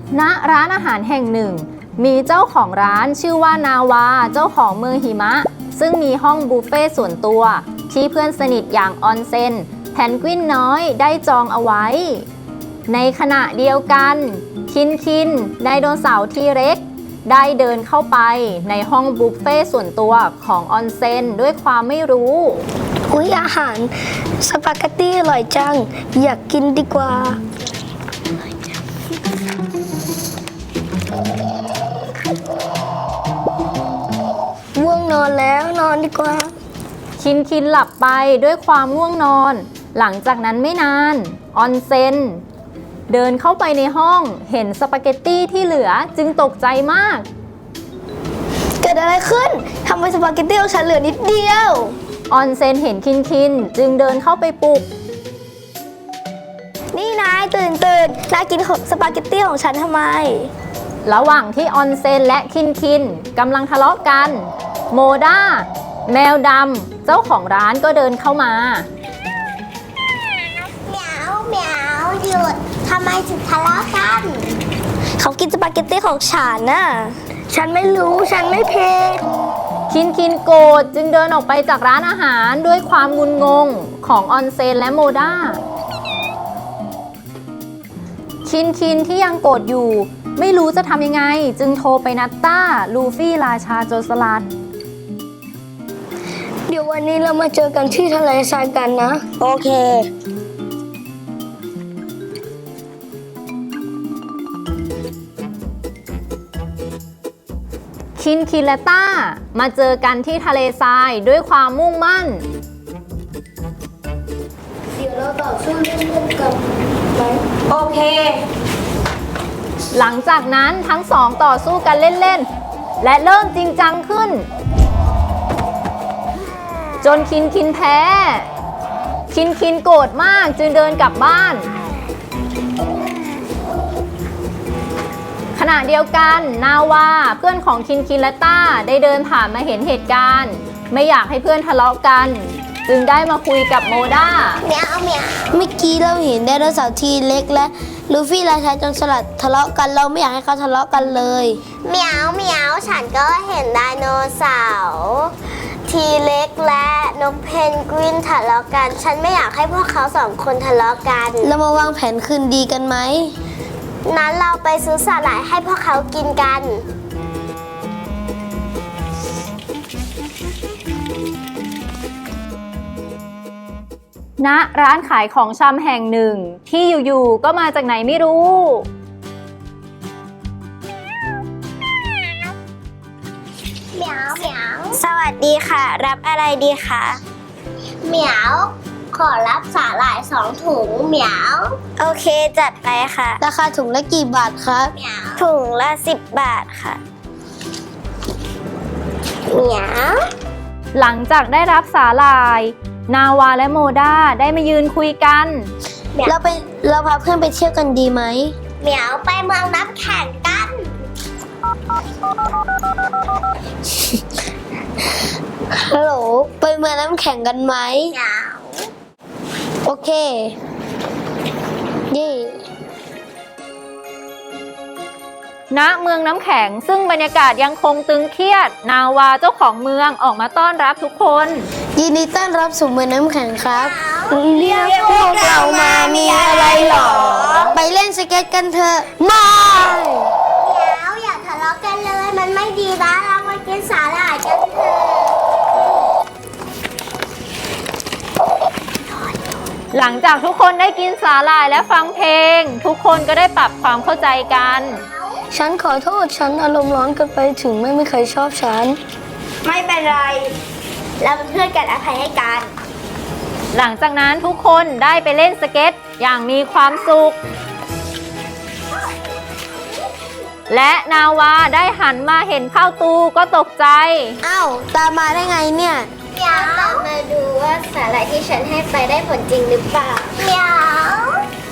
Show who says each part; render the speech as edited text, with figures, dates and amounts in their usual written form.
Speaker 1: ณร้านอาหารแห่งหนึ่งมีเจ้าของร้านชื่อว่านาวาเจ้าของเมืองหิมะซึ่งมีห้องบุฟเฟ่ส่วนตัวที่เพื่อนสนิทอย่างออนเซ็นแพนกวินน้อยได้จองเอาไว้ในขณะเดียวกันคินไดโนเสาร์ทีเร็กซ์ได้เดินเข้าไปในห้องบุฟเฟ่ส่วนตัวของออนเซ็นด้วยความไม่รู้
Speaker 2: อุ๊ยอาหารสปาเกตตี้อร่อยจังอยากกินดีกว่าง่วงนอนแล้วนอนดีกว่า
Speaker 1: คินหลับไปด้วยความง่วงนอนหลังจากนั้นไม่นานออนเซ็นเดินเข้าไปในห้องเห็นสปาเกตตี้ที่เหลือจึงตกใจมาก
Speaker 2: เกิดอะไรขึ้นทำไมสปาเกตตี้ของฉันเหลือนิดเดียว
Speaker 1: ออนเซ็นเห็นคินจึงเดินเข้าไปปลุก
Speaker 2: นี่นายตื่นนายกินสปาเกตตี้ของฉันทำไม
Speaker 1: ระหว่างที่ออนเซ็นและคินกำลังทะเลาะกันโมด้าแมวดำเจ้าของร้านก็เดินเข้ามา
Speaker 3: เหมียวหยุดทำไมถึงทะเลาะกัน
Speaker 2: เขากินสปาเกตตี้ของฉันน่ะฉันไม่รู้ฉันไม่เผ็ด
Speaker 1: คินโกรธจึงเดินออกไปจากร้านอาหารด้วยความงุนงงของออนเซนและโมด้าคินที่ยังโกรธอยู่ไม่รู้จะทำยังไงจึงโทรไปนัดต้าลูฟี่ราชาโจรสลัด
Speaker 2: เดี๋ยววันนี้เรามาเจอกันที่ทะเลทรายกันนะโอเค
Speaker 1: คินและต้ามาเจอกันที่ทะเลทรายด้วยความมุ่งมั่น
Speaker 2: เดี๋ยวเราต่อสู้เล่นๆกันไหมโอเค
Speaker 1: หลังจากนั้นทั้งสองต่อสู้กันเล่นๆและเริ่มจริงจังขึ้นจนคินแพ้คินโกรธมากจึงเดินกลับบ้านขณะเดียวกันนาวาเพื่อนของคินและต้าได้เดินผ่านมาเห็นเหตุการณ์ไม่อยากให้เพื่อนทะเลาะกันจึงได้มาคุยกับโมด้า
Speaker 3: เหมียว
Speaker 2: เมื่อกี้เราเห็นไดโนเสาร์ทีเล็กและลูฟี่ราชาโจรสลัดทะเลาะกันเราไม่อยากให้เขาทะเลาะกันเลย
Speaker 3: เหมียวฉันก็เห็นไดโนเสาร์ทีเล็กและนกเพนกวินทะเลาะกันฉันไม่อยากให้พวกเขาสองคนทะเลาะกัน
Speaker 2: เรามาวางแผนคืนดีกันไหม
Speaker 3: นั้นเราไปซื้อสาหร่ายให้พวกเขากินกัน
Speaker 1: ณร้านขายของชำแห่งหนึ่งที่อยู่ๆก็มาจากไหนไม่รู้
Speaker 3: เหมียว
Speaker 2: สวัสดีค่ะรับอะไรดีคะ
Speaker 3: เหมียวขอรับสาหร่าย2 ถุงเหมียว
Speaker 2: โอเคจัดไปค่ะราคาถุงละกี่บาทครับ
Speaker 3: เหมียว
Speaker 2: ถุงละ10 บาทค่ะ
Speaker 3: เหมียว
Speaker 1: หลังจากได้รับสาหร่ายนาวาและโมด้าได้มายืนคุยกัน
Speaker 2: เราพาเพื่อนไปเที่ยวกันดีไหม
Speaker 3: เหมียวไปเมืองน้ำแข็งกัน
Speaker 2: ฮัลโหลไปเมืองน้ำแข็งกันไหม
Speaker 3: เหมียว
Speaker 2: โอเคเย่
Speaker 1: ณเมืองน้ำแข็งซึ่งบรรยากาศยังคงตึงเครียดนาวาเจ้าของเมืองออกมาต้อนรับทุกคน
Speaker 2: ยินดีต้อนรับสู่เมืองน้ำแข็งครับเรียกพวกเรามามีอะไรหรอไปเล่นสเก็ตกันเถอะ
Speaker 3: ไม่เหมียวอย่าทะเลาะกันเลยมันไม่ดีนะเรามากินสาหร่ายกันเถอะ
Speaker 1: หลังจากทุกคนได้กินสาหร่ายและฟังเพลงทุกคนก็ได้ปรับความเข้าใจกัน
Speaker 2: ฉันขอโทษฉันอารมณ์ร้อนเกินไปถึงไม่มีใครชอบฉัน
Speaker 3: ไม่เป็นไรเราเป็นเพื่อนกันอภัยให้กัน
Speaker 1: หลังจากนั้นทุกคนได้ไปเล่นสเก็ตอย่างมีความสุขและนาวาได้หันมาเห็นข้าวตูก็ตกใจ
Speaker 2: อ้าวตามมาได้ไงเนี่ย
Speaker 3: เหมียวมาดูว่าสาหร่ายที่ฉันให้ไปได้ผลจริงหรือเปล่าเหมียว